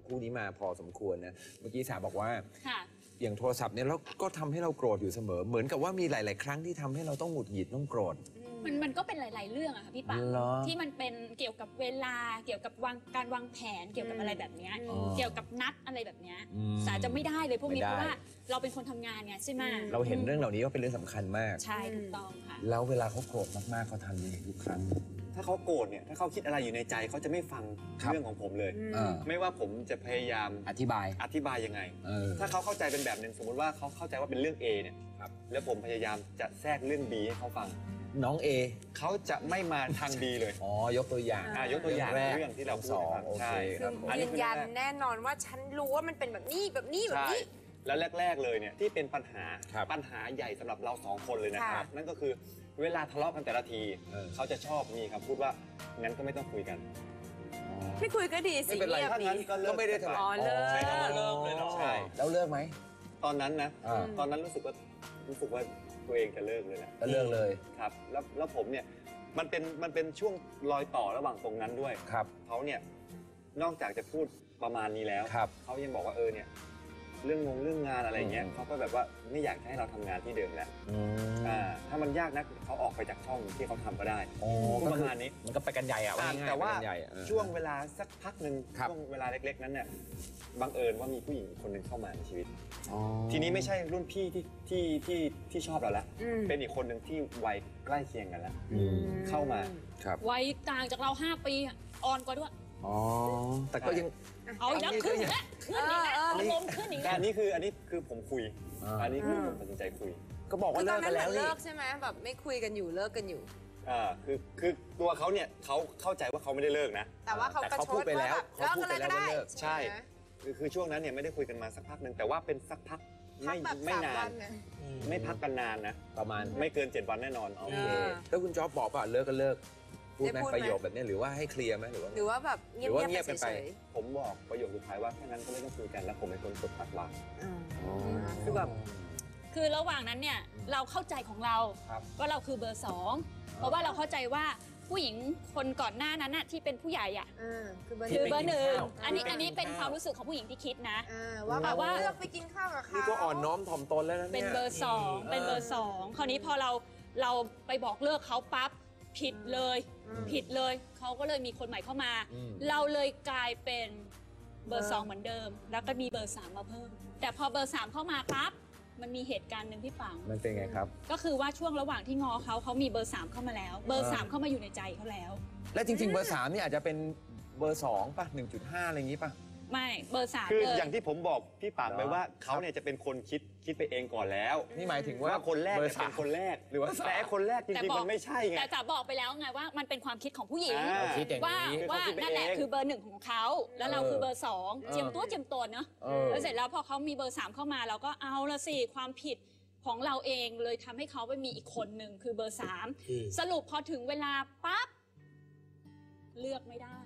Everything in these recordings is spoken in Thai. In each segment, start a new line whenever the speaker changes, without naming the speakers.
คู่นี้มาพอสมควรนะเมื่อกี้สาบอกว่า
ค่ะ
อย่างโทรศัพท์เนี่ยแล้วก็ทำให้เราโกรธอยู่เสมอเหมือนกับว่ามีหลาย ๆ ครั้งที่ทำให้เราต้องหงุดหงิดต้องโกรธ
มันก็เป็นหลาย ๆ เรื่องอะค่ะพี่ปังที่มันเป็นเกี่ยวกับเวลาเกี่ยวกับการวางแผนเกี่ยวกับอะไรแบบนี้เกี่ยวกับนัดอะไรแบบนี้สาจะไม่ได้เลยพวกนี้เพราะว่าเราเป็นคนทำงานไงใช่ไหม
เราเห็นเรื่องเหล่านี้ว่าเป็นเรื่องสำคัญมาก
ใช่ถูกต้องค่ะ
แล้วเวลาเขาโกรธมาก ๆเขาทำยังไงทุกครั้ง
ถ้าเขาโกรธเนี่ยถ้าเขาคิดอะไรอยู่ในใจเขาจะไม่ฟังเรื่องของผมเลยไม่ว่าผมจะพยายาม
อธิบาย
ยังไงถ้าเขาเข้าใจเป็นแบบหนึ่งสมมติว่าเขาเข้าใจว่าเป็นเรื่อง A เนี่ยแล้วผมพยายามจะแทรกเรื่อง B ให้เขาฟัง
น้อง A
เขาจะไม่มาทาง B เลย
ยกตัวอย่าง
ยกตัวอย่างเรื่องที่เราพูด
ใช่
ยืนยันแน่นอนว่าฉันรู้ว่ามันเป็นแบบนี้
แล้วแรกๆเลยเนี่ยที่เป็นปัญหาใหญ่สำหรับเรา2คนเลยนะครับนั่นก็คือเวลาทะเลาะกันแต่ละทีเขาจะชอบมีคำพูดว่างั้นก็ไม่ต้องคุยกัน
ไม่คุยก็ดีสิ
ไม่เป็นไรถ้างั้นก็ไม่ได้ทะเลาะ
เลิก
เลยเนาะใช่
แล้วเลิกไหม
ตอนนั้นนะตอนนั้นรู้สึกว่าตัวเองจะเลิกเลยแหละ
เลิกเลย
ครับแล้วผมเนี่ยมันเป็นช่วงรอยต่อระหว่างตรงนั้นด้วยเขาเนี่ยนอกจากจะพูดประมาณนี้แล้วเขายังบอกว่าเนี่ยเรื่องงานอะไรเงี้ยเขาก็แบบว่าไม่อยากให้เราทำงานที่เดิมแล้วถ้ามันยากนักเขาออกไปจากช่องที่เขาทำก็ได้ประมาณนี้
มันก็ไปกันใหญ่อะ
แต่ว่าช่วงเวลาสักพักหนึ่งช่วงเวลาเล็กๆนั้นเนี่ยบังเอิญว่ามีผู้หญิงคนหนึ่งเข้ามาในชีวิตทีนี้ไม่ใช่รุ่นพี่ที่ชอบเราแล้วเป็นอีกคนหนึ่งที่วัยใกล้เคียงกันแล้วเข้ามา
วัยต่างจากเรา5 ปีอ่อนกว่าด้วย
แต่ก็ยัง
เอาอีกแล้วขึ้นอีกแล้วอารมณ์ขึ้นอีกแล้ว
อันนี้คือผมคุยอันนี้คือผมตัดสินใจคุย
ก็บอกว่าเลิกกันแล้วนี่
เลิกใช่ไหมแบบไม่คุยกันอยู่เลิกกันอยู่
คือตัวเขาเนี่ยเขาเข้าใจว่าเขาไม่ได้เลิกนะ
แต่ว่าเขา
พูดไปแล้ว
เลิกกันเลยก็ได้
ใช่คือช่วงนั้นเนี่ยไม่ได้คุยกันมาสักพักหนึ่งแต่ว่าเป็นสักพักไม่นานไม่พักกันนานนะ
ประมาณ
ไม่เกิน7 วันแน่นอน
โอเคแล้วคุณจ๊อบบอกป่ะเลิกก็เลิกพูดไหมประโยคแบบนี้หรือว่าให้เคลียร์ไหมหรือว่า
แบบเงียบกันไป
ผมบอกประโยคสุดท้ายว่าแค่นั้นก็ไม่ต้องคุยกันแล้วผมเป็นคนกดตัดวาง
คือแบบ
คือระหว่างนั้นเนี่ยเราเข้าใจของเราว่าเราคือเบอร์2เพราะว่าเราเข้าใจว่าผู้หญิงคนก่อนหน้านั้นน่ะที่เป็นผู้ใหญ่อ่ะคือเบอร์1อันนี้เป็นความรู้สึกของผู้หญิงที่คิดนะ
ว่าเลือกไปกินข้าวกับเขา
นี่ก็อ่อนน้อมถ่อมตนแล้วนะ
เป็นเบอร์2คราวนี้พอเราไปบอกเลิกเขาปั๊บผิดเลยเขาก็เลยมีคนใหม่เข้ามาเราเลยกลายเป็นเบอร์2เหมือนเดิมแล้วก็มีเบอร์3มาเพิ่มแต่พอเบอร์3เข้ามาปั๊บมันมีเหตุการณ์หนึ่งพี่ปัง
มันเป็นไงครับ
ก็คือว่าช่วงระหว่างที่งอเขามีเบอร์3เข้ามาแล้วเบอร์3เข้ามาอยู่ในใจเขาแล้ว
และจริงๆเบอร์3นี่อาจจะเป็นเบอร์2ป่ะ 1.5 อะไรอย่างนี้ป่ะ
ไม่เบอร์3
คืออย่างที่ผมบอกพี่ปังไปว่าเขาเนี่ยจะเป็นคนคิดไปเองก่อนแล้ว
นี่หมายถึงว่า
คนแรกเป็นคนแรกหรือว่าแต่คนแรกจริงๆมันไม่ใช่ไง
แต่จ๋าบอกไปแล้วไงว่ามันเป็นความคิดของผู้หญิงว่านั่นแหละคือเบอร์1ของเขาแล้วเราคือเบอร์2เจียมตัวเนาะแล้วเสร็จแล้วพอเขามีเบอร์3เข้ามาเราก็เอาละสิความผิดของเราเองเลยทำให้เขาไปมีอีกคนหนึ่งคือเบอร์3สรุปพอถึงเวลาปั๊บเลือกไม่ได้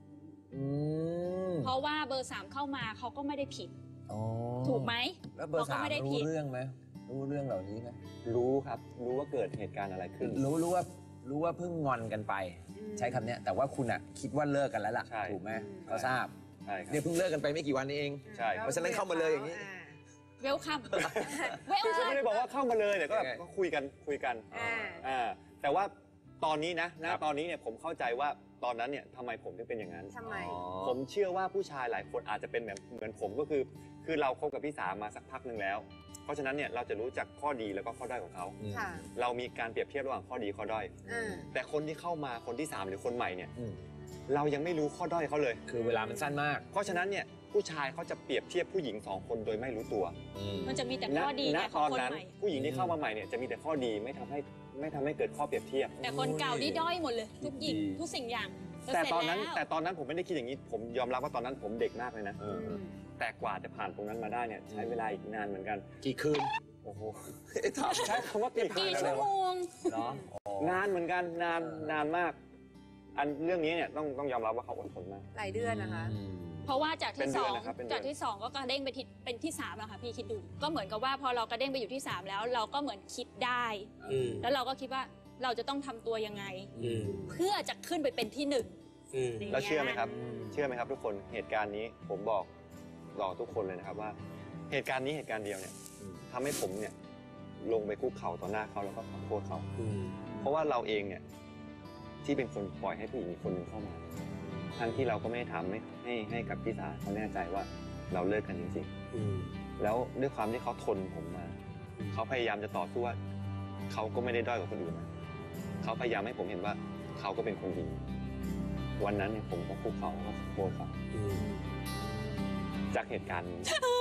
เพราะว่าเบอร์3เข้ามาเขาก็ไม่ได้ผิดถูกไหม
แล้วเบอร์3รู้เรื่องไหมรู้เรื่องเหล่านี้ไหม
รู้ครับรู้ว่าเกิดเหตุการณ์อะไรขึ้น
รู้ว่าเพิ่งงอนกันไปใช้คำนี้แต่ว่าคุณอ่ะคิดว่าเลิกกันแล้วล่ะถูกไหมเขาทราบเนี่ยเพิ่งเลิกกันไปไม่กี่วันนี้เองเพราะฉะนั้นเข้ามาเลยอย่างนี้
เวลคัม
คือไม่ได้บอกว่าเข้ามาเลยแต่ก็แบบก็คุยกันแต่ว่าตอนนี้นะตอนนี้เนี่ยผมเข้าใจว่าตอนนั้นเนี่ยทำไมผมถึงเป็นอย่างนั้นผมเชื่อว่าผู้ชายหลายคนอาจจะเป็นเหมือนผมก็คือเราคบกับพี่สามาสักพักหนึ่งแล้วเพราะฉะนั้นเนี่ยเราจะรู้จักข้อดีแล้วก็ข้อด้อยของเขาเรามีการเปรียบเทียบระหว่างข้อดีข้อด้อยแต่คนที่เข้ามาคนที่3หรือคนใหม่เนี่ยเรายังไม่รู้ข้อด้อยเขาเลย
คือเวลามันสั้นมาก
เพราะฉะนั้นเนี่ยผู้ชายเขาจะเปรียบเทียบผู้หญิง2 คนโดยไม่รู้ตัว
มันจะมีแต่ข้อดี
ณตอนนั้นผู้หญิงที่เข้ามาใหม่เนี่ยจะมีแต่ข้อดีไม่ทำให้เกิดข้อเปรียบเทียบ
แต่คนเก่านี่ด้อยหมดเลยทุกหญิงทุกสิ่งอย่าง
แต่ตอนนั้นผมไม่ได้คิดอย่างนี้ผมยอมรับว่าตอนนั้นผมเด็กมากเลยนะแต่กว่าจะผ่านตรงนั้นมาได้เนี่ยใช้เวลาอีกนานเหมือนกัน
กี่คืน
โอ้โหใช้คำว่ากี่
ชั่วโมง
นานเหมือนกันนานมากเรื่องนี้เนี่ยต้องยอมรับว่าเขาอดทนมาก
หลายเดือนนะคะ
เพราะว่าจากที่2ก็กระเด้งไปเป็นที่3แล้วค่ะพี่คิดดูก็เหมือนกับว่าพอเรากระเด้งไปอยู่ที่3แล้วเราก็เหมือนคิดได้แล้วเราก็คิดว่าเราจะต้องทำตัวยังไงเพื่อจะขึ้นไปเป็นที่1
แล้วเชื่อไหมครับทุกคนเหตุการณ์นี้ผมบอกทุกคนเลยนะครับว่าเหตุการณ์นี้เหตุการณ์เดียวเนี่ยทำให้ผมเนี่ยลงไปคุกเข่าต่อหน้าเขาแล้วก็ขอโทษเขาเพราะว่าเราเองเนี่ยที่เป็นคนปล่อยให้ผู้หญิงอีกคนหนึงเข้ามาทั้งที่เราก็ไม่ได้ทำให้กับพี่สาเขาแน่ใจว่าเราเลิกกันจริงๆแล้วด้วยความที่เขาทนผมมาเขาพยายามจะต่อสู้ว่าเขาก็ไม่ได้ด้อยกว่าคนอื่นนะเขาพยายามให้ผมเห็นว่าเขาก็เป็นคนดีวันนั้นเนี่ยผมก็คุกเข่าแล้วก็ขอโทษเขาจากเหตุการณ์นี้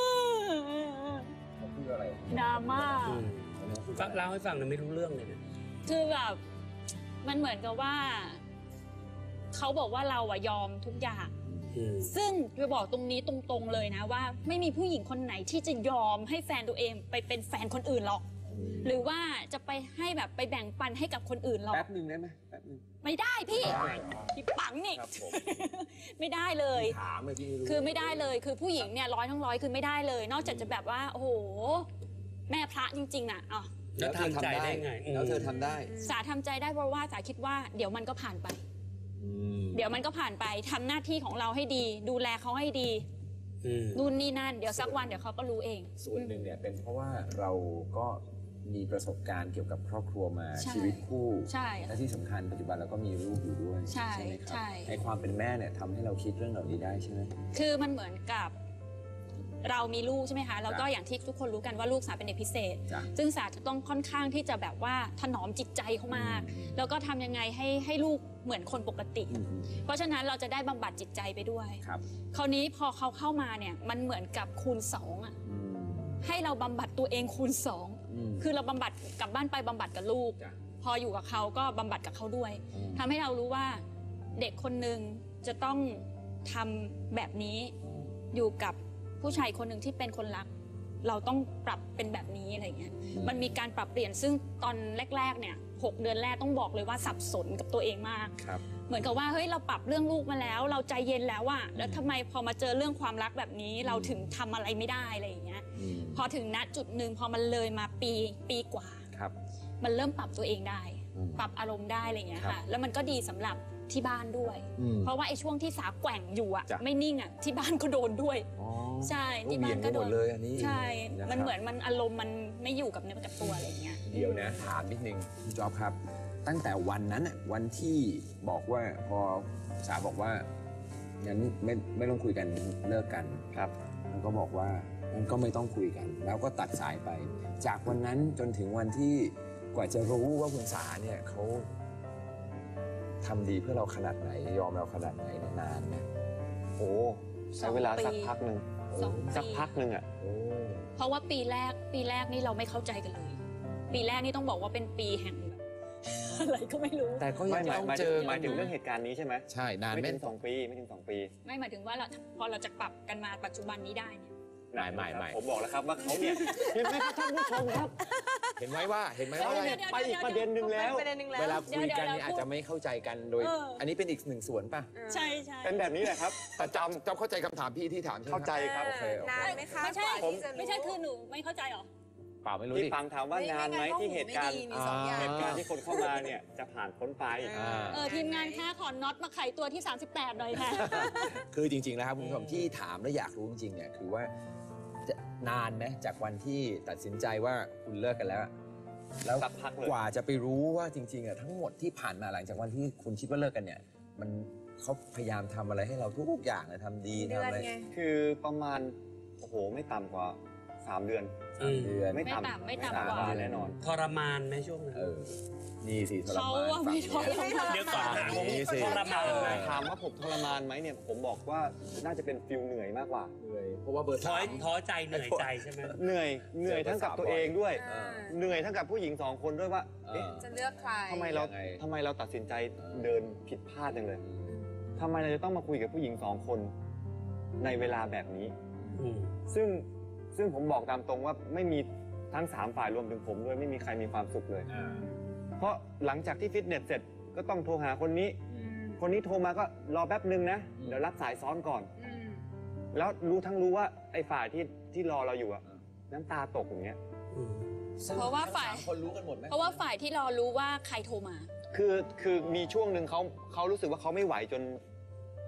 เขาพูดอะไร
ดราม่า
ฟังเล่าให้ฟังเลยไม่รู้เรื่องเลยนะ
คือแบบมันเหมือนกับว่าเขาบอกว่าเราอะยอมทุกอย่างซึ่งจะบอกตรงนี้ตรงๆเลยนะว่าไม่มีผู้หญิงคนไหนที่จะยอมให้แฟนตัวเองไปเป็นแฟนคนอื่นหรอกหรือว่าจะไปให้แบบไปแบ่งปันให้กับคนอื่นหรอก
แป๊บหนึ่งได้ไหมแป๊บหนึ่ง
ไม่ได้พี่ปังนี่
ครับผม
ไม่ได้เลย
ถามเลยพี่รู้
คือไม่ได้เลยคือผู้หญิงเนี่ย100 ทั้ง 100คือไม่ได้เลย นอกจากจะแบบว่าโอ้โหแม่พระจริงๆน่ะอ๋อ
แล้วทำใจได้ไง
แล้วเธอทำได้
สาทำใจได้เพราะว่าสาคิดว่าเดี๋ยวมันก็ผ่านไป เดี๋ยวมันก็ผ่านไปทำหน้าที่ของเราให้ดี ดูแลเขาให้ดีนู่นนี่นั่นเดี๋ยวสักวันเดี๋ยวเขาก็รู้เอง
ส่วนหนึ่งเนี่ยเป็นเพราะว่าเราก็มีประสบการณ์เกี่ยวกับครอบครัวมา
ใช่
ชีวิตคู่
ใช่
และที่สำคัญปัจจุบันเราก็มีลูกอยู่ด้วย
ใช่
ไหมครั
ใช่
ในความเป็นแม่เนี่ยทำให้เราคิดเรื่องเหล่านี้ได้ใช่ไหม
คือมันเหมือนกับเรามีลูกใช่ไหมคะแล้วก็อย่างที่ทุกคนรู้กันว่าลูกสาเป็นเด็กพิเศษ
จ้ะ
ซึ่งสาจะต้องค่อนข้างที่จะแบบว่าถนอมจิตใจเขามาก แล้วก็ทำยังไงให้ลูกเหมือนคนปกติ เพราะฉะนั้นเราจะได้บำบัดจิตใจไปด้วย
ครับ
คราวนี้พอเขาเข้ามาเนี่ยมันเหมือนกับคูณ2อ่ะให้เราบำบัดตัวเองคูณ2คือเราบำบัดกลับบ้านไปบำบัดกับลูก
จ้ะ
พออยู่กับเขาก็บำบัดกับเขาด้วยทำให้เรารู้ว่าเด็กคนหนึ่งจะต้องทำแบบนี้อยู่กับผู้ชายคนหนึ่งที่เป็นคนรัก เราต้องปรับเป็นแบบนี้อะไรเงี้ยมันมีการปรับเปลี่ยนซึ่งตอนแรกๆเนี่ย6 เดือนแรกต้องบอกเลยว่าสับสนกับตัวเองมาก
ครับ
เหมือนกับว่าเฮ้ยเราปรับเรื่องลูกมาแล้ว เราใจเย็นแล้วอะแล้วทำไมพอมาเจอเรื่องความรักแบบนี้เราถึงทำอะไรไม่ได้อะไรอย่างเงี้ยพอถึงณจุดหนึ่งพอมันเลยมาปีกว่า
ครับ
มันเริ่มปรับตัวเองได้
อืม
ปรับอารมณ์ได้อะไรอย่างเงี้ย
ครั
ค่ะ
บ
แล้วมันก็ดีสำหรับที่บ้านด้วย เพราะว่าไอ้ช่วงที่สาแกว่งอยู่อะ
จ้ะ
ไม่นิ่งอะที่บ้านก็โดนด้วย
อ๋อ
ใช่
ก็
ที่บ้านก็โด
เบี่ยงไปหม
น
ดเลยอันนี้
ใช่
นะครับ
มันเหมือนมันอารมณ์มันไม่อยู่กับเนื้อกับตัวอะไรอย่างเงี้ย
เดี๋ยวนะถามนิดนึงพี่จ๊อบครับ ตั้งแต่วันนั้นน่ะวันที่บอกว่าพอสาบอกว่างั้นไม่ต้องคุยกันเลิกกัน
ครับ
แล้วก็บอกว่ามันก็ไม่ต้องคุยกัน แล้วก็ตัดสายไป จากวันนั้นจนถึงวันที่กว่าจะรู้ว่าคุณสาเนี่ยเขาทำดีเพื่อเราขนาดไหน ยอมเราขนาดไหนเนี่ยนานไหม
โอ้ใช้เวลาสักพักหนึ่ง
สอง
สัก
ปี
พักหนึ่งอ่ะ
โอ้
เพราะว่าปีแรกนี่เราไม่เข้าใจกันเลย ปีแรกนี่ต้องบอกว่าเป็นปีแห่งแบบ อะไรก็ไม่รู้
แต่ก็
ไม่
ยัง
หมาย
ต้อง
หมาย
เจ
ถึง
อ
หมายถึงเรื่องเหตุการณ์นี้ใช่ไหม
ใช่นาน
ไม่
ไหม
ถึง2 ปีไม่ถึง2 ปี
ไม่หมายถึงว่าเราพอเราจะปรับกันมาปัจจุบันนี้ได้เนี่ย
ไม่
ผมบอกแล้วครับว่าเขาเนี่ยเห็นไหมครับท่านผู้ชมครับ
เห็นไหมว่า
เขาเนี่ยไปอีกประเด็นหนึ่งแล้ว
ประเด็นหนึ่งแล้ว
เวลาคุยกันเนี่ยอาจจะไม่เข้าใจกันโดย อันนี้เป็นอีกหนึ่งส่วนป่ะ
ใช่ใช่
เป็นแบบนี้แหละครับ
แต่จำเข้าใจคำถามพี่ที่ถามใช่ไหม
เข้าใจครับ
โอเคโอเคน
านไหมคะ
ไม่ใช่
กว่าที่จะรู้
ไม่ใช่คือหนูไม่เข้าใจหรอ
เปล่าไม่รู้
พี่
ดิ
ฟังถามว่านานไหมที่เหตุการณ์
ไม่ดีมีสองอย่าง
เหตุการณ์ที่คนเข้ามาเนี่ยจะผ่านพ้นไป
ทีมงานค่าขอน็อตมาไขตัวที่ 38 หน่อยค่ะ
คือจริงๆแล้วครับคุณผู้ชมที่ถามและอยากรู้จริงๆเนี่ยคือว่าจะนานไหมจากวันที่ตัดสินใจว่าคุณเลิกกันแล้วอะแล้ว
สักพักเลย
กว่าจะไปรู้ว่าจริงๆอะทั้งหมดที่ผ่านมาหลังจากวันที่คุณคิดว่าเลิกกันเนี่ยมันเขาพยายามทำอะไรให้เราทุกอย่างเลยทำดี
เดื
ทำ
อน
อะไร
ไง
คือประมาณโอ้โหไม่ต่ำกว่า3 เดือน
3 เดือน
ไม่ต่ำ
ไม่ต่ำ
สาม
กว่า
เดือนแน่นอน
ทรมานไหมช่วงนั้น
นี่สิทร
เขา
มาน
ว่าไม่ท
ฝั่ง
ร
นี้
มาน
เดี๋ยวก่อนนะ
นี่สิ
ทรมาน
ถามว่าผมทรมานไหมเนี่ยผมบอกว่าน่าจะเป็นฟิลเหนื่อยมากกว่า
เลยเพราะว่าเบอร์
ท้อ
สาม
ท้อใจเหนื่อยใจใช่ไหม
เหนื่อยทั้งกับตัวเองด้วย
อ่า
เหนื่อยทั้งกับผู้หญิง2 คนด้วยว่าเอ๊ะ
จะเลือกใคร
ทำไมเราตัดสินใจเดินผิดพลาดจังเลยทำไมเราจะต้องมาคุยกับผู้หญิง2 คนในเวลาแบบนี้ ซึ่งผมบอกตามตรงว่าไม่มีทั้ง3 ฝ่ายรวมถึงผมด้วยไม่มีใครมีความสุขเลย เพราะหลังจากที่ฟิตเนสเสร็จก็ต้องโทรหาคนนี้ คนนี้โทรมาก็รอแป๊บนึงนะเดี๋ยวรับสายซ้อนก่อน แล้วรู้ว่าไอ้ฝ่ายที่รอเราอยู่อะน้ำตาตกอย่างเงี้ย
เพราะว่าฝ่าย
คนรู้กันหมดไหม
เพราะว่าฝ่ายที่รอรู้ว่าใครโทรมา
คือมีช่วงหนึ่งเขารู้สึกว่าเขาไม่ไหวจน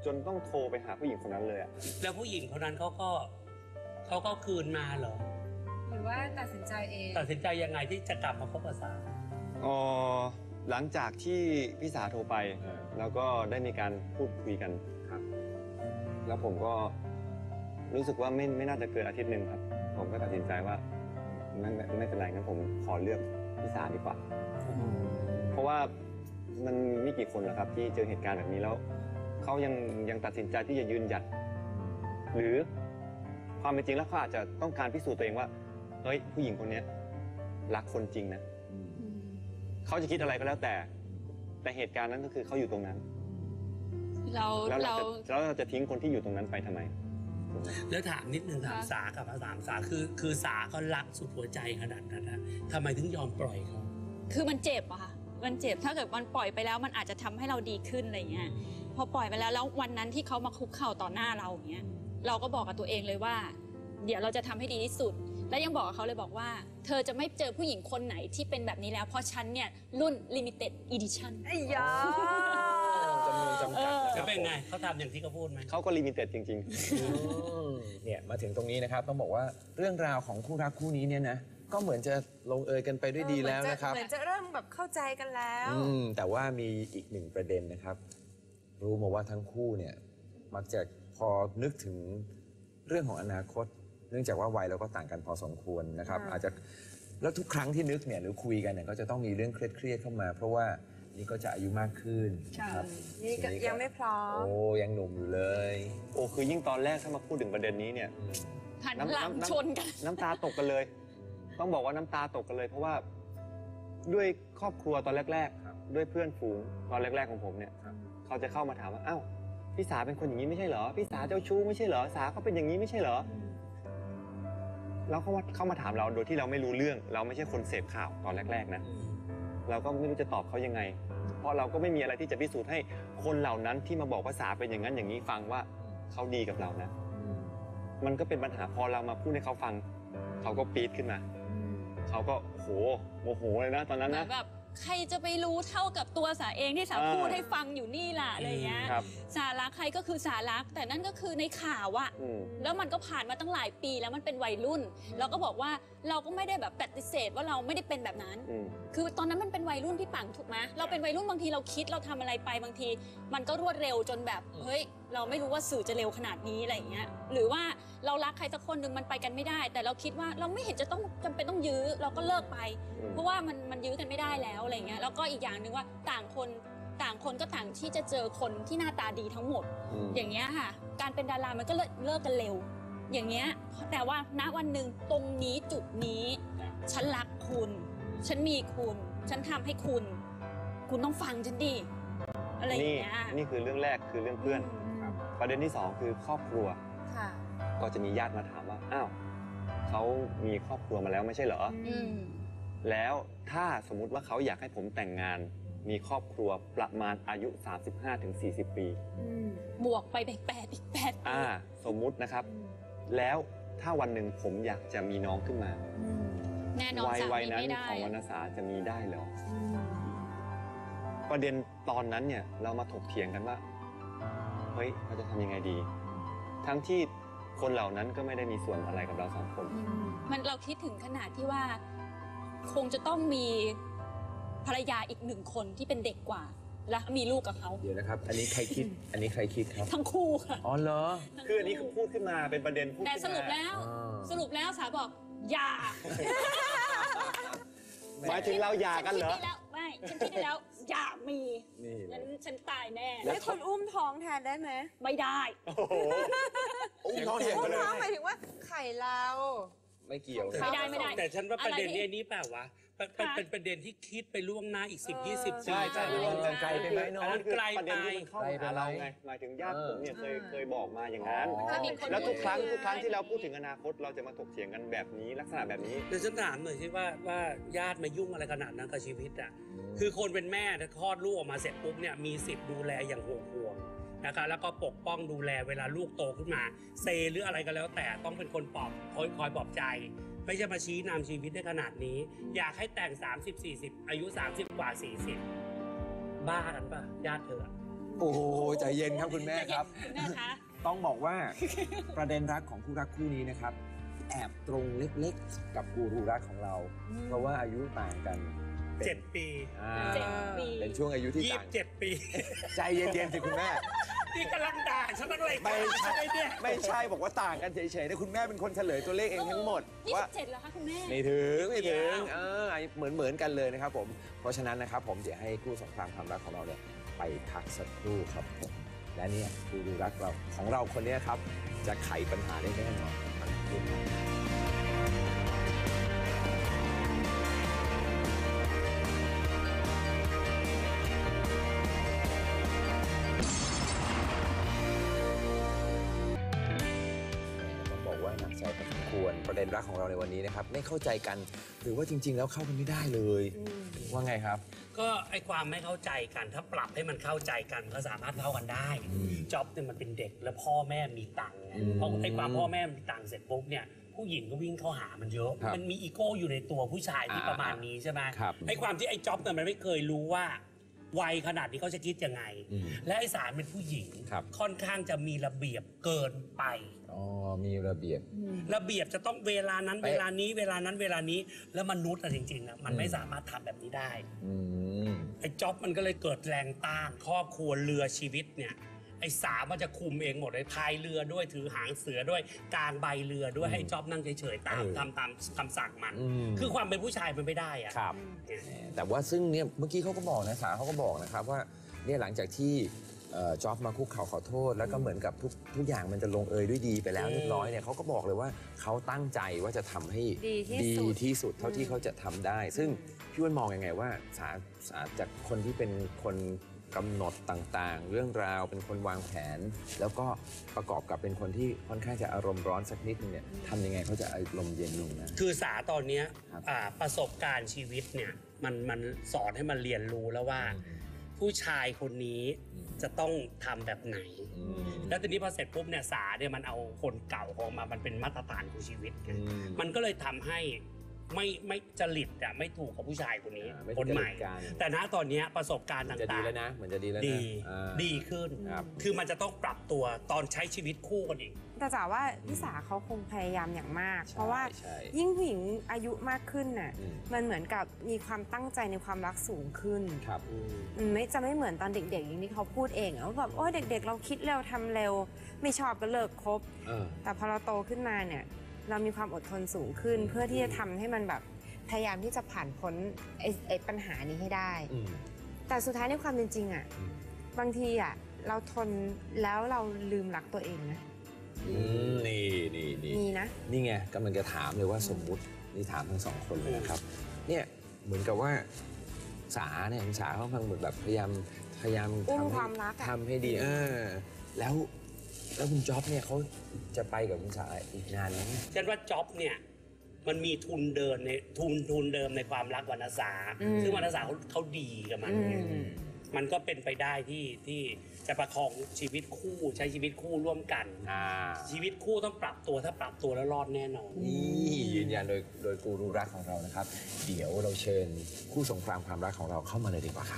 จนต้องโทรไปหาผู้หญิงคนนั้นเลยอะ
แล้วผู้หญิงคนนั้นเขาก็คืนมาเหรอ
หรือว่าตัดสินใจเอง
ตัดสินใจยังไงที่จะกลับมาคบกับสา
หลังจากที่พี่สาโทรไป แล้วก็ได้มีการพูดคุยกันครับ แล้วผมก็รู้สึกว่าไม่น่าจะเกินอาทิตย์หนึ่งครับ ผมก็ตัดสินใจว่าไม่เป็นไรงั้นผมขอเลือกพี่สาดีกว่า เพราะว่ามันมีกี่คนนะครับที่เจอเหตุการณ์แบบนี้แล้วเขายังตัดสินใจที่จะยืนหยัด หรือความเป็นจริงแล้วเขาอาจจะต้องการพิสูจน์ตัวเองว่าเฮ้ยผู้หญิงคนนี้รักคนจริงนะเขาจะคิดอะไรก็แล้วแต่เหตุการณ์นั้นก็คือเขาอยู่ตรงนั้นแล้วเราจะทิ้งคนที่อยู่ตรงนั้นไปทำไม
แล้วถามนิดนึงถามสากับถามสาคือสาเขารักสุดหัวใจขนาดนั้นนะทำไมถึงยอมปล่อยเขา
คือมันเจ็บอะค่ะมันเจ็บถ้าเกิดมันปล่อยไปแล้วมันอาจจะทำให้เราดีขึ้นอะไรเงี้ยพอปล่อยไปแล้ววันนั้นที่เขามาคุกเข่าต่อหน้าเราอย่างเงี้ยเราก็บอกกับตัวเองเลยว่า เดี๋ยวเราจะทำให้ดีที่สุด และยังบอกกับเขาเลยบอกว่าเธอจะไม่เจอผู้หญิงคนไหนที่เป็นแบบนี้แล้วเพราะฉันเนี่ยรุ่น limited edition
ไอ้ยา
จำนวนจำกัดนะค
จะ
รับ
เป็นไงเขาทำอย่างที่เขาพูดไหม
เขาก็ลิมิเต็ดจริง
เนี่ยมาถึงตรงนี้นะครับต้องบอกว่าเรื่องราวของคู่รักคู่นี้เนี่ยนะก็เหมือนจะลงเอยกันไปด้วยดีแล้วนะครับ
เหมือนจะเริ่มแบบเข้าใจกันแล้ว
แต่ว่ามีอีกหนึ่งประเด็นนะครับ รู้มาว่าทั้งคู่เนี่ยมักจะพอนึกถึงเรื่องของอนาคต เนื่องจากว่าวัยเราก็ต่างกันพอสมควรนะครับ อาจจะแล้วทุกครั้งที่นึกเนี่ยหรือคุยกันเนี่ยก็จะต้องมีเรื่องเครียดๆเข้ามา เพราะว่านี่ก็จะอายุมากขึ้นครับ
นี่ก็ยังไม่พร้อม
โอ้ยังหนุ่มอยู่เลย
ๆ โอ้คือยิ่งตอนแรกถ้ามาพูดถึงประเด็นนี้เนี่ย
หันหลังชนกัน
น้ำตาตกกันเลย ต้องบอกว่าน้ำตาตกกันเลย เพราะว่าด้วยครอบครัวตอนแรกๆด้วยเพื่อนฝูงตอนแรกๆของผมเนี่ยเขาจะเข้ามาถามว่าอ้าวพี่สาเป็นคนอย่างนี้ไม่ใช่เหรอพี่สาเจ้าชู้ไม่ใช่เหรอสาเขาเป็นอย่างนี้ไม่ใช่เหรอแล้วเขาเข้ามาถามเราโดยที่เราไม่รู้เรื่อง เราไม่ใช่คนเสพข่าวตอนแรกๆนะเราก็ไม่รู้จะตอบเขายังไง เพราะเราก็ไม่มีอะไรที่จะพิสูจน์ให้คนเหล่านั้นที่มาบอกว่าสาเป็นอย่างนั้นอย่างนี้ฟังว่าเขาดีกับเรานะมันก็เป็นปัญหาพอเรามาพูดให้เขาฟังเขาก็ปี๊ดขึ้นมาเขาก็โมโหเลยนะตอนนั้นนะ
แบบใครจะไปรู้เท่ากับตัวสาเองที่สาพูดให้ฟังอยู่นี่ล่ะอะไรเงี้ย สารักใครก็คือสารักแต่นั่นก็คือในข่าวอะแล้วมันก็ผ่านมาตั้งหลายปีแล้วมันเป็นวัยรุ่นเราก็บอกว่าเราก็ไม่ได้แบบปฏิเสธว่าเราไม่ได้เป็นแบบนั้นคือตอนนั้นมันเป็นวัยรุ่นพี่ปังถูกไหมเราเป็นวัยรุ่นบางทีเราคิดเราทำอะไรไปบางทีมันก็รวดเร็วจนแบบเฮ้ยเราไม่รู้ว่าสื่อจะเร็วขนาดนี้อะไรเงี้ยหรือว่าเรารักใครสักคนหนึ่งมันไปกันไม่ได้ แต่เราคิดว่าเราไม่เห็นจะต้องจำเป็นต้องยื้อเราก็เลิกไปเพราะว่ามันยื้อกันไม่ได้แล้วอะไรเงี้ยแล้วก็อีกอย่างหนึ่งว่าต่างคนก็ต่างที่จะเจอคนที่หน้าตาดีทั้งหมดอย่างเงี้ยค่ะการเป็นดารามันก็เลิกกันเร็วอย่างเงี้ยแต่ว่าณวันหนึ่งตรงนี้จุดนี้ฉันรักคุณฉันมีคุณฉันทำให้คุณต้องฟังฉันดิอะไรอย่างเงี้ย
นี่คือเรื่องแรกคือเรื่องเพื่อนประเด็นที่สองคือครอบครัวก็จะมีญาติมาถามว่าอ้าวเขามีครอบครัวมาแล้วไม่ใช่เหรอแล้วถ้าสมมุติว่าเขาอยากให้ผมแต่งงานมีครอบครัวประมาณอายุ 35-40 ปี
บวกไปอีก8ปี
สมมุตินะครับแล้วถ้าวันหนึ่งผมอยากจะมีน้องขึ้นมา
แน่นอน
วัยนั้นของวรรณสาจะมีได้เหรอประเด็นตอนนั้นเนี่ยเรามาถกเถียงกันว่าเฮ้ยเราจะทำยังไงดีทั้งที่คนเหล่านั้นก็ไม่ได้มีส่วนอะไรกับเราสองคน
มันเราคิดถึงขนาดที่ว่าคงจะต้องมีภรรยาอีก1 คนที่เป็นเด็กกว่าและมีลูกกับเขา
เดี๋ยวนะครับอันนี้ใครคิดครับ
ทั้งคู่ค่ะ
อ๋อเหรอ
คืออันนี้คือพูดขึ้นมาเป็นประเด็นพูด
แต่สรุปแล้วสาบอกอย่า
หมายถึงเราหย่ากันเหรอ
ไม่ฉันคิดได้แล้วอย่ามีฉันตายแน่
ให้คนอุ้มท้องแทนได้ไหม
ไม่ได้
อุ้มท้องแทนไปเลย
หมายถึงว่าไข่เรา
ไม่เกี่ยว
ไม่ได้
แต่ฉันว่าประเด็นนี้เปล่าวะเป็นประเด็นที่คิดไปล่วงหน้าอีก10-20 ปี
ใช่
ไกลไปไหมน้อง
ไกลไป
เข้าหาเราไงหมายถึงญาติผมเนี่ยเคยบอกมาอย่างนั้นแล้วทุกครั้งที่เราพูดถึงอนาคตเราจะมาถกเถียงกันแบบนี้ลักษณะแบบนี้
เดี๋ยวฉันถามหน่อยสิว่าญาติมายุ่งอะไรขนาดนั้นกับชีวิตอ่ะคือคนเป็นแม่ถ้าคลอดลูกออกมาเสร็จปุ๊บเนี่ยมีสิทธิ์ดูแลอย่างห่วงนะคะแล้วก็ปกป้องดูแลเวลาลูกโตขึ้นมาเซหรืออะไรก็แล้วแต่ต้องเป็นคนคอยปลอบใจไม่ใช่มาชี้นำชีวิตได้ขนาดนี้อยากให้แต่ง30-40อายุ30 กว่า 40บ้ากันป่ะญาติเธอ
โอ้โหใจเย็นครับคุณแม่ครับ
คุณแม่คะ
ต้องบอกว่า ประเด็นรักของคู่รักคู่นี้นะครับ แอบตรงเล็กๆกับกูรูรักของเรา เพราะว่าอายุต่างกันเป็น
7 ปี
อ่า
7 ปี
เป็นช่วงอายุที่ต่าง
27 ปี
ใจเย็นๆสิคุณแม่
นี่กำลังด่าฉันตั้งเลย
ไม่ใช่
เนี่ย
ไม่ใช่บอกว่าต่างกันเฉยๆนะคุณแม่เป็นคนเฉลยตัวเลขเองทั้งหมดว่า
27แล้วคะคุณแม่
ไม่ถึงเหมือนกันเลยนะครับผมเพราะฉะนั้นนะครับผมจะให้คู่สงครามความรักของเราเนี่ยไปพักสักครู่ครับผมและเนี่ยกูรูรักเราของเราคนนี้ครับจะไขปัญหาได้แน่นอนครับคุณ ต้องบอกว่าหนักใจพอสมควรประเด็นรักของเราในวันนี้นะครับไม่เข้าใจกันหรือว่าจริง ๆ แล้วเข้ากันไม่ได้เลยว่าไงครับ
ก็ไอความไม่เข้าใจกันถ้าปรับให้มันเข้าใจกันก็สามารถเข้ากันได้จ็อบเนี่ยมันเป็นเด็กแล้วพ่อแม่มีตังค์ไงพอไอความพ่อแม่มีตังค์เสร็จปุ๊บเนี่ยผู้หญิงก็วิ่งเข้าหามันเยอะ
ครับ
มันมีอีโก้อยู่ในตัวผู้ชายที่ประมาณนี้ใช่ไหม
ครับ
ไอความที่ไอจ็อบเนี่ยมันไม่เคยรู้ว่าวัยขนาดนี้เขาจะคิดยังไง และไอสารเป็นผู้หญิง
ครับ
ค่อนข้างจะมีระเบียบเกินไป
อ๋อมีระเบียบ
ระเบียบจะต้องเวลานั้น
เป๊ะ
เวลานี้เวลานั้นเวลานี้แล้วมนุษย์อะจริงๆอะมันไม่สามารถทำแบบนี้ได้
อืม
ไอ้จ็อบมันก็เลยเกิดแรงต้านครอบครัวเรือชีวิตเนี่ยไอ้สามันจะคุมเองหมดเลยพายเรือด้วยถือหางเสือด้วยกางใบเรือด้วยให้จ็อบนั่งเฉยๆตามทำคำสั่งมัน คือความเป็นผู้ชายมันไม่ได้อะ
ครับ
เนี่ย
แต่ว่าซึ่งเนี่ยเมื่อกี้เขาก็บอกนะสาเขาก็บอกนะครับว่าเนี่ยหลังจากที่จ็อบมาคุกเข่าขอโทษ แล้วก็เหมือนกับทุกอย่างมันจะลงเอยด้วยดีไปแล้วเรียบร้อยเนี่ยเขาก็บอกเลยว่าเขาตั้งใจว่าจะทำให้
ดีที่สุด
เท่าที่เขาจะทำได้ ซึ่งพี่อ้วนมองยังไงว่าสาจากคนที่เป็นคนกำหนดต่างๆ เรื่องราวเป็นคนวางแผน แล้วก็ประกอบกับเป็นคนที่ค่อนข้างจะอารมณ์ร้อนสักนิดนึงเนี่ยทำยังไงเขาจะอารมณ์เย็นลงนะ
คือสาตอนเนี้ย
ครับ
ประสบการณ์ชีวิตเนี่ยมันสอนให้มันเรียนรู้แล้วว่า ผู้ชายคนนี้จะต้องทำแบบไหน แล้วทีนี้พอเสร็จปุ๊บเนี่ยสาเนี่ยมันเอาคนเก่าของมันเป็นมาตรฐานของชีวิตไงมันก็เลยทำให้ไม่จริตอะไม่ถูกกับผู้ชายคนนี้
ไม่
คนใหม่
ถูกจริตกัน
แต่ณตอนเนี้ยประสบการณ์
มันจะดี
ต่าง
แล้วนะเหมือนจะดีแล้ว
ๆ
นะ
ดี
อ่า
ดีขึ้น
ครับ
คือมันจะต้องปรับตัวตอนใช้ชีวิตคู่กันอีก
แต่จ๋าว่าพี่สาเขาคงพยายามอย่างมาก
ใช่
เพราะว่า
ใช่
ยิ่งผู้หญิงอายุมากขึ้นน่ะ
อืม
มันเหมือนกับมีความตั้งใจในความรักสูงขึ้น
ครับ
ไม่เหมือนตอนเด็กๆอย่างที่เขาพูดเองอะว่าแบบโอ้ยเด็ก ๆ เราคิดเร็วทำเร็ว ไม่ชอบก็เลิกคบ แต่พอเราโตขึ้นมาเนี่ยเรามีความอดทนสูงขึ้น เพื่อที่จะทำให้มันแบบพยายามที่จะผ่านพ้นไอ้ปัญหานี้ให้ได้ แต่สุดท้ายในความเป็นจริงอะบางทีอะเราทนแล้วเราลืมรักตัวเองนะ
นี่
มีนะ
นี่ไงกำลังจะถามเลยว่าสมมุตินี่ถามทั้งสองคนเลยนะครับ เนี่ยเหมือนกับว่าสาเนี่ยคุณสาเขาเหมือนแบบพยายาม
อุ้ม
ทำ
ความรักอะ
ทำให้ดีแล้วคุณจ๊อบเนี่ยเขาจะไปกับคุณสาอีกนานไหม
ฉันว่าจ็อบเนี่ยมันมีทุนเดิมในทุนเดิมในความรักวรรณสาซึ่งวรรณสาเขาดีกับมันไงมันก็เป็นไปได้ที่จะประคองชีวิตคู่ใช้ชีวิตคู่ร่วมกัน ชีวิตคู่ต้องปรับตัวถ้าปรับตัวแล้วรอดแน่นอน
นี่ยืนยันโดยกูรูรักของเรานะครับ เดี๋ยวเราเชิญคู่สงครามความรักของเราเข้ามาเลยดีกว่าครับ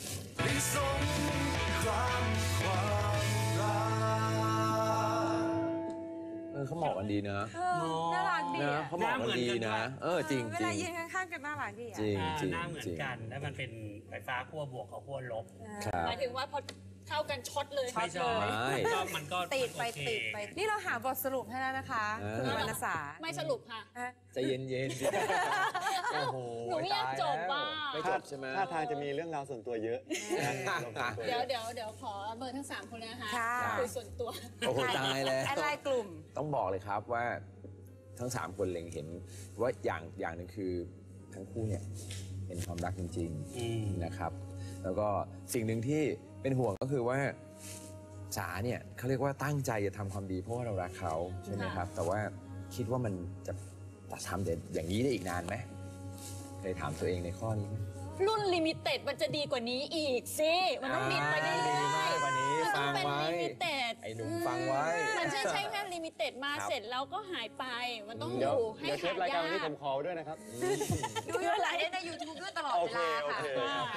เขาเหมาะกันดีนะ
น่ารักดี
นะ
อะ
เขาเหมาะกันดีนะจริง
เวลายืนข้างๆกันน่ารักดีอะ
จริง
หน้าเหมือนกันแล้วมันเป็นไฟฟ้าขั้วบวกกับขั้วลบ
ครับ
หมายถึงว่าพอเข้ากันช็อตเลย
ไม่ชอบ
ไม่
ก็มันก็
ติดไป
โอเค
ติดไป นี่เราหาบทสรุปให้แล้วนะคะ คุณวรรณสา
ไม่สรุปค่ะ
ใจเย็นๆสิโอ้โห
หนูไม่อยากจบว่ะ
ไม่จบใช่ไหม
ท่าทางจะมีเรื่องราวส่วนตัวเยอะนะ
เดี๋ยวขอเบอร์ทั้ง 3 คนเลยนะคะ
ค่ะ
คุยส่วนตัว
โอ้โหตายแล้ว
แอดไลน์กลุ่ม
ต้องบอกเลยครับว่าทั้ง 3 คนเล็งเห็นว่าอย่างหนึ่งคือทั้งคู่เนี่ยเป็นความรักจริงๆนะครับ แล้วก็สิ่งหนึ่งที่เป็นห่วงก็คือว่าสาเนี่ยเขาเรียกว่าตั้งใจจะทำความดีเพราะว่าเรารักเขาใช่ไหมครับ แต่ว่าคิดว่ามันจะทำอย่างนี้ได้อีกนานไหมเคยถามตัวเองในข้อนี้ไหม
รุ่นลิมิเต็ดมันจะดีกว่านี้อีกสิ มันต้องบินไปเรื่อย
ดีมากกว่านี้
มันต้องเป็น
ฟังไว้
ลิมิเต็ด
ไอ้หนุ่มฟังไว้
มันใช้งานลิมิเต็ดมาเสร็จแล้วก็หายไป มันต้องอ
เดี๋ยว
ยู่ให้
เดี๋ยวเท
หา
ปราย
ยา
การวันนี้ผ
ก
มขอด้วยนะครับ
ดูย้อนหลังได้ใน YouTube ด้วยตลอดเวลาค่ะ
โอเค
ค่ะ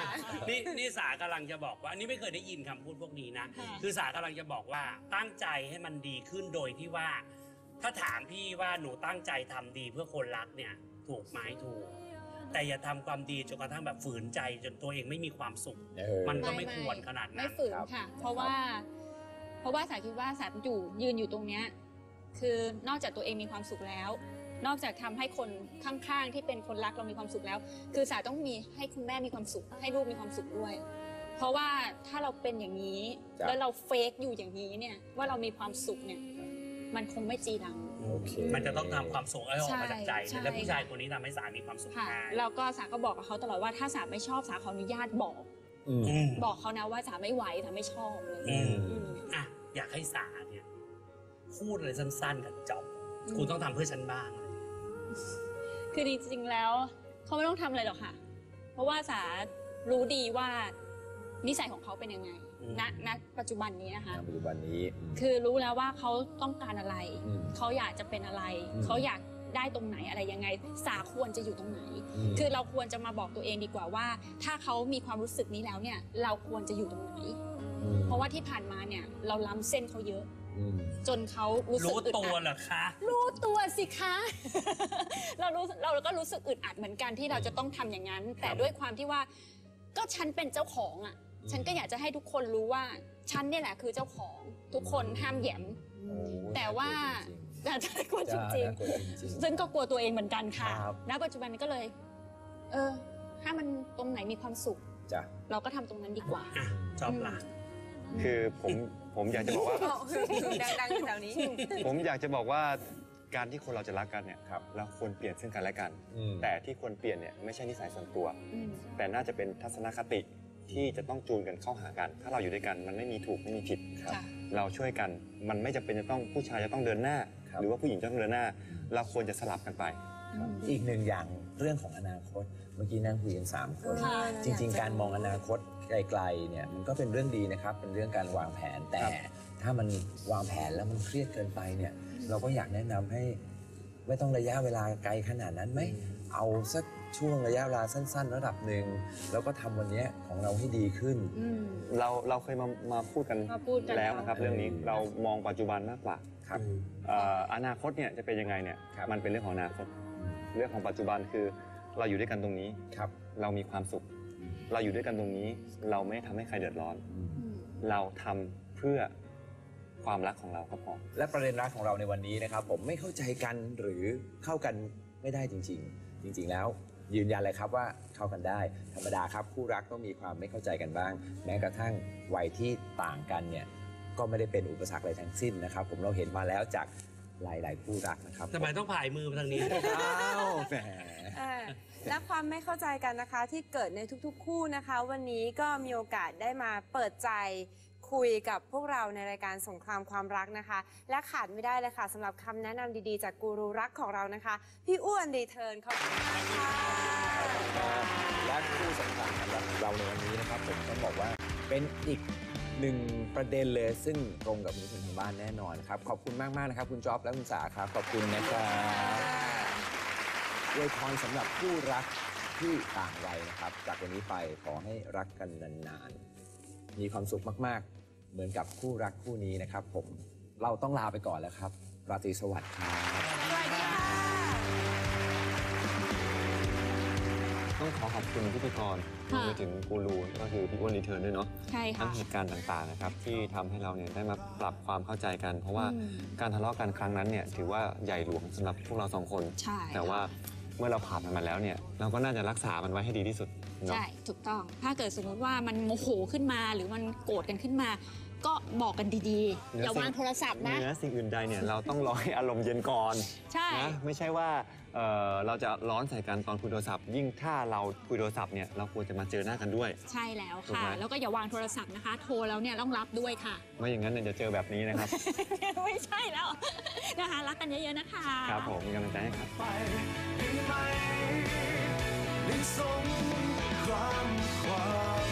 นี่สากำลังจะบอกว่าอันนี้ไม่เคยได้ยินคำพูดพวกนี้นะ
ค่ะ
คือสากำลังจะบอกว่าตั้งใจให้มันดีขึ้นโดยที่ว่า ถ้าถามพี่ว่าหนูตั้งใจทำดีเพื่อคนรักเนี่ยถูกไหมถูก แต่อย่าทำความดีจนกระทั่งแบบฝืนใจจนตัวเองไม่มีความสุข มันก็ไม่ควรขนาดนั้น
ไม่ฝืนค่ะ เพราะว่าสาคิดว่าสายืนอยู่ตรงเนี้ยคือนอกจากตัวเองมีความสุขแล้ว นอกจากทำให้คนข้างๆที่เป็นคนรักเรามีความสุขแล้ว คือสาต้องมีให้คุณแม่มีความสุข ให้ลูกมีความสุขด้วย เพราะว่าถ้าเราเป็นอย่างนี้ แล้วเราเฟกอยู่อย่างนี้เนี่ยว่าเรามีความสุขเนี่ยมันคงไม่จีรัง
มันจะต้องทำความสุขให้ออกมาจากใจ
ใช่
และผู้ชายคนนี้ทำให้สามีความสุข
ค่ะ
ได้
แล้วก็สาก็บอกกับเขาตลอดว่าถ้าสาไม่ชอบสาขออนุญาตบอกเขานะว่าสาไม่ไหวสาไม่ชอบเลย
อ่ะอยากให้สาเนี่ยพูดอะไรสั้นๆกับจ๊อบคุณต้องทำเพื่อฉันบ้าง
คือจริงๆแล้วเขาไม่ต้องทำอะไรหรอกค่ะ เพราะว่าสารู้ดีว่านิสัยของเขาเป็นยังไงณปัจจุบันนี้นะคะ
ปัจจุบันนี้
คือรู้แล้วว่าเขาต้องการอะไร เขาอยากจะเป็นอะไร เขาอยากได้ตรงไหนอะไรยังไง สาควรจะอยู่ตรงไหน คือเราควรจะมาบอกตัวเองดีกว่าว่า ถ้าเขามีความรู้สึกนี้แล้วเนี่ย เราควรจะอยู่ตรงไหน เพราะว่าที่ผ่านมาเนี่ยเราล้ำเส้นเขาเยอะ จนเขารู้สึกอึดอัด
รู้ตัวเหรอคะ
รู้ตัวสิคะ เราก็รู้สึกอึดอัดเหมือนกันที่เราจะต้องทำอย่างนั้น แต่ด้วยความที่ว่าก็ฉันเป็นเจ้าของอ่ะ ฉันก็อยากจะให้ทุกคนรู้ว่าฉันเนี่ยแหละคือเจ้าของทุกคนห้ามแหยม แต่ว่าแต่กลัวจริงๆซึ่งก็กลัวตัวเองเหมือนกันค่ะณปัจจุบันนี้ก็เลย ถ้ามันตรงไหนมีความสุขเราก็ทำตรงนั้นดีกว่า
ชอบละ
คือผมอยากจะบอกว่า
ดังๆอยู่แถวนี้
ผมอยากจะบอกว่าการที่คนเราจะรักกันเนี่ยเราควรเปลี่ยนซึ่งกันและกัน แต่ที่ควรเปลี่ยนเนี่ยไม่ใช่นิสัยส่วนตัว แต่น่าจะเป็นทัศนคติที่จะต้องจูนกันเข้าหากัน ถ้าเราอยู่ด้วยกันมันไม่มีถูกไม่มีผิดเราช่วยกันมันไม่จำเป็นจะต้องผู้ชายจะต้องเดินหน้า หรือว่าผู้หญิงจะต้องเดินหน้า เราควรจะสลับกันไป
อีกหนึ่งอย่างเรื่องของอนาคตเมื่อกี้นั่งคุยกัน3 คนจริงๆการมองอนาคตไกลๆเนี่ยมันก็เป็นเรื่องดีนะครับเป็นเรื่องการวางแผนแต่ถ้ามันวางแผนแล้วมันเครียดเกินไปเนี่ยเราก็อยากแนะนำให้ไม่ต้องระยะเวลาไกลขนาดนั้นไหมเอาสักช่วงระยะเวลาสั้นๆระดับหนึ่งแล้วก็ทำวันนี้ของเราให้ดีขึ้น
เราเคยมาพูดกันแล้วนะครับเรื่องนี้เรามองปัจจุบันมากกว่าครับอนาคตเนี่ยจะเป็นยังไงเนี่ยมันเป็นเรื่องของอนาคตเรื่องของปัจจุบันคือเราอยู่ด้วยกันตรงนี้เรามีความสุขเราอยู่ด้วยกันตรงนี้เราไม่ทำให้ใครเดือดร้อนเราทำเพื่อความรักของเราก็พอ
และประเด็นรักของเราในวันนี้นะครับผมไม่เข้าใจกันหรือเข้ากันไม่ได้จริงๆแล้วยืนยันเลยครับว่าเข้ากันได้ธรรมดาครับคู่รักต้องมีความไม่เข้าใจกันบ้างแม้กระทั่งวัยที่ต่างกันเนี่ยก็ไม่ได้เป็นอุปสรรคอะไรทั้งสิ้นนะครับผมเราเห็นมาแล้วจากหลายๆคู่รักนะครับ
ทำไมต้องผายมือมาทางนี้
อ้าวแหม
และความไม่เข้าใจกันนะคะที่เกิดในทุกๆคู่นะคะวันนี้ก็มีโอกาสได้มาเปิดใจคุยกับพวกเราในรายการสงครามความรักนะคะและขาดไม่ได้เลยค่ะสำหรับคำแนะนำดีๆจากกูรูรักของเรานะคะพี่อ้วนรีเทิร์นขอบคุณมากค่ะ
และคู่สำคัญสำหรับเราในวันนี้นะครับผมต้องบอกว่าเป็นอีกหนึ่งประเด็นเลยซึ่งตรงกับคุณผู้ชมทางบ้านแน่นอนครับขอบคุณมากๆนะครับคุณจ๊อบและคุณสาครับขอบคุณนะครับอวยพรสำหรับคู่รักที่ต่างวัยนะครับจากวันนี้ไปขอให้รักกันนานๆมีความสุขมากๆเหมือนกับคู่รักคู่นี้นะครับผมเราต้องลาไปก่อนแล้วครับราตรีสวัสดิ์ครับ
สวัสดีค่ะ
ต้องขอขอบคุณพิธีกรไปถึงกูรูก็คือพี่อ้วนรีเทิร์นด้วยเนาะ
ใช่ค่ะ
ทั้งเหตุการณ์ต่างๆนะครับที่ทำให้เราเนี่ยได้มาปรับความเข้าใจกันเพราะว่าการทะเลาะกันครั้งนั้นเนี่ยถือว่าใหญ่หลวงสำหรับพวกเรา2 คนแต่ว่าเมื่อเราผ่านมันมาแล้วเนี่ยเราก็น่าจะรักษามันไว้ให้ดีที่สุด
ใช่ถูกต้องถ้าเกิดสมมติว่ามันโมโหขึ้นมาหรือมันโกรธกันขึ้นมาก็บอกกันดีๆอย่าวางโทรศัพท์นะ
สิ่งอื่นใดเนี่ยเราต้องรอให้อารมณ์เย็นก่อน
ใช่
นะไม่ใช่ว่าเราจะร้อนใส่กันตอนคุยโทรศัพท์ยิ่งถ้าเราคุยโทรศัพท์เนี่ยเราควรจะมาเจอหน้ากันด้วย
ใช่แล้วค่ะแล้วก็อย่าวางโทรศัพท์นะคะโทรแล้วเนี่ยต้องรับด้วยค่ะ
ไม่อย่างนั้นเนี่ยจะเจอแบบนี้นะครับ
ไม่ใช่แล้วนะคะรักกันเยอะๆนะคะ
ครับผมมีกำลังใจให้ครับ
ในสงครามความ